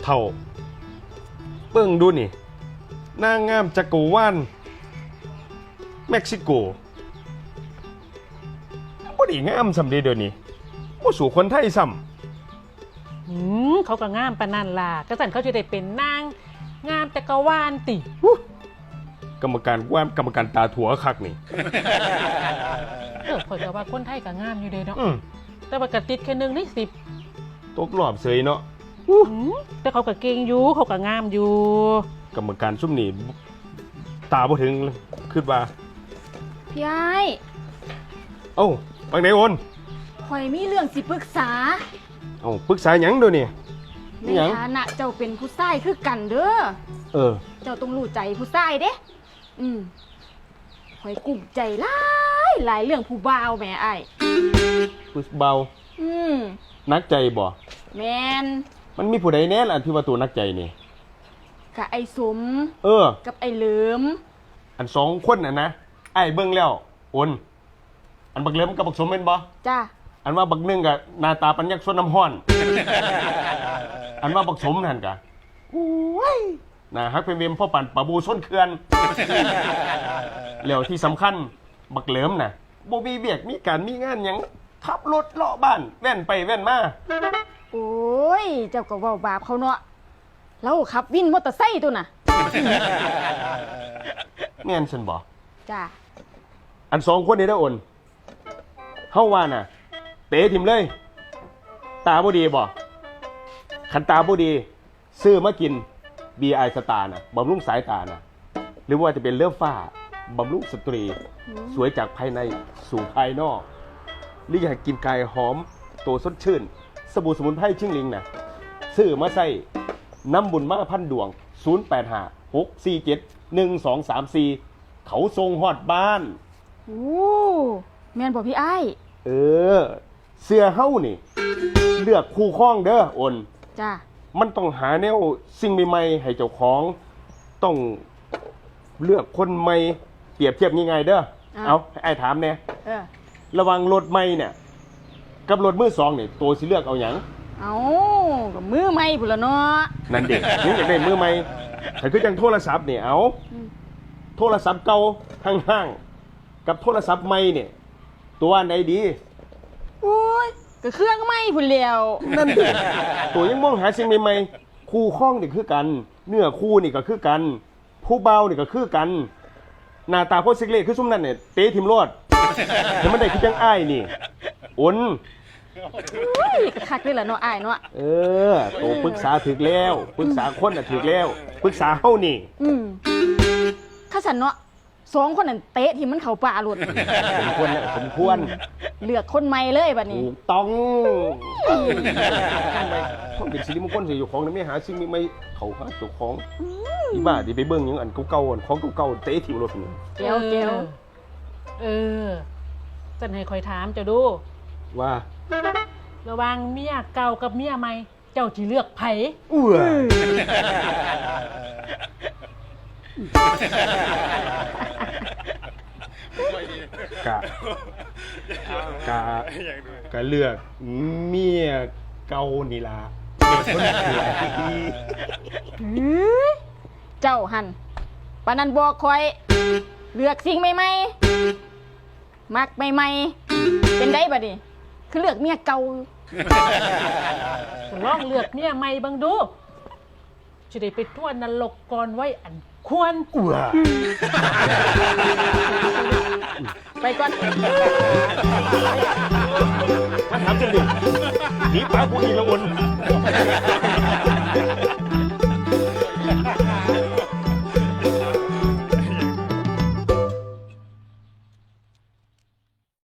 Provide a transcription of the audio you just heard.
เท่าเบิ่งดูนี่นางงามจักรวาลเม็กซิโกบ่ได้งามสำเร็จเดี๋ยวนี้บ่สู่คนไทยซ้ำเขาก็งามปานนั่นล่ะกระสันเขาจะได้เป็นนางงามจักรวาลติกรรมการตาถั่วคักนี่ข่อยก็ว่าคนไทยก็งามอยู่เด้เนาะอืมแต่ว่ากระติดแค่1 ในตกรอบเสยเนาะ 10แต่เขาก็เก่งอยู่เขาก็งามอยู่กรรมการซุ่มนี่ตาบ่ถึงคิดว่าพี่ไอ้เอ้าบางไหนโอนข่อยมีเรื่องสิปรึกษาเอ้าปรึกษาหยังเดี๋ยวนี้ในหยังฐานะเจ้าเป็นผู้ชายคือกันเด้อเออเจ้าต้องรู้ใจผู้ชายเด้ข่อยกลุ้มใจหลายเรื่องผู้บ่าวแหม่ไอ้ายผู้เบา นักใจบ่แมนมันมีผู้ใดแน่ล่ะที่ว่าตัวนักใจนี่กับไอ้สมเออกับไอ้เหลิมอัน2คนน่ะนะไอ้เบิ่งแล้วโอนอันบักเหลิมกับบักสมเป็นบ่จ้าอันว่าบักหนึงก็หน้าตาปัญญักสวนน้ำห้อน อันว่าบักสมนั่นก็โอ้ยน่าฮักเป็นเวมพ่อปั่นปะบูส้นเขื่อน แล้วที่สำคัญบักเหลิมน่ะบ่มีเวียกมีการมีงานหยังขับรถเลาะบ้านแว่นไปแว่นมาโอ้ย เจ้าก็เว้าบาปเขาเนาะแล้วขับวินมอเตอร์ไซค์ตัวน่ะแม่นซั่นบ่จ้าอัน2คนนี้ได้อโอนเฮาว่าน่ะเตะทิมเลย ตาบ่ดีบ่คันตาบ่ดีซื้อมากิน BI สตาร์น่ะบำรุงสายตาน่ะหรือว่าจะเป็นเลือดฟ้าบำรุงสตรี สวยจากภายในสู่ภายนอกหรืออยากกินกายหอมตัวสดชื่นสบู่สมุนไพรชิ่งลิงน่ะซื้อมาใส่น้ำบุญมาพันดวง0856471234เขาทรงฮอดบ้านโอ้แม่นบ่พี่ไอ้ายเออเสื้อเฮ้านี่เลือกคู่ครองเด้อโอนจ้ามันต้องหาแนวสิ่งใหม่ๆให้เจ้าของต้องเลือกคนใหม่เปรียบเทียบง่ายๆเด้อเอาให้ไอ้ถามเนี่ยเออระหวังรถใหม่เนี่ยกับรถมือสองเนี่ยตัวสิเลือกเอาหยังเอาก็มือใหม่พุ่นละเนาะนั่นเด็กนี่อยากได้มือใหม่แต่คือจังโทรศัพท์เนี่ยเอาโทรศัพท์เก่าห้างๆกับโทรศัพท์ใหม่เนี่ยตัวอันใดดีโอ้ยก็เครื่องใหม่พุ่นแล้วนั่นเด็กตัวยังมองหาสิ่งใหม่ๆคู่ข้องนี่คือกันเนื้อคู่นี่ก็คือกันผู้เบานี่ก็คือกันหน้าตาโคตรซิกเล่คือซุ่มนั่นเนี่ยเตะทิมโลดแต่มันได้คือจังอ้ายนี่อุ่นโอ้ยก็คักเลยล่ะเนาะอ้ายเนาะเออโตปรึกษาถึกแล้วปรึกษาคนน่ะถึกแล้วปรึกษาเฮานี่ข้าสันเนาะ2คนนั่นเตะที่มันเข้าป่าหลุดสมควรแล้วสมควรเลือกคนใหม่เลยบัดนี้ถูกต้องทำไมต้องเป็นสิริมงคลสิอยู่ของนี่ไม่หาสิ่งใหม่ๆเขาหาเจ้าของอีบ้าดิไปเบิ่งหยังอันเก่าๆอันของเก่าๆเตะทิมโลดนี่แก้วแก้วจันให้คอยถามเจ้าดูว่าระหว่างเมียเก่ากับเมียใหม่เจ้าสิเลือกไผอ้วกะกะกะเลือกเมียเก่านี่ล่ะเด็กคนสวยเจ้าหันปานนั้นบอกคอย เลือกสิ่งใหม่ๆมักใหม่ๆเป็นได้บัดนี้คือเลือกเมียเก่าลองเลือกเมียใหม่เบิ่งดูจะได้ไปทั่วนรกก่อนไว้อันควรอ้วไปก่อนมาถามจังดิหนีป้ากูอีกและอน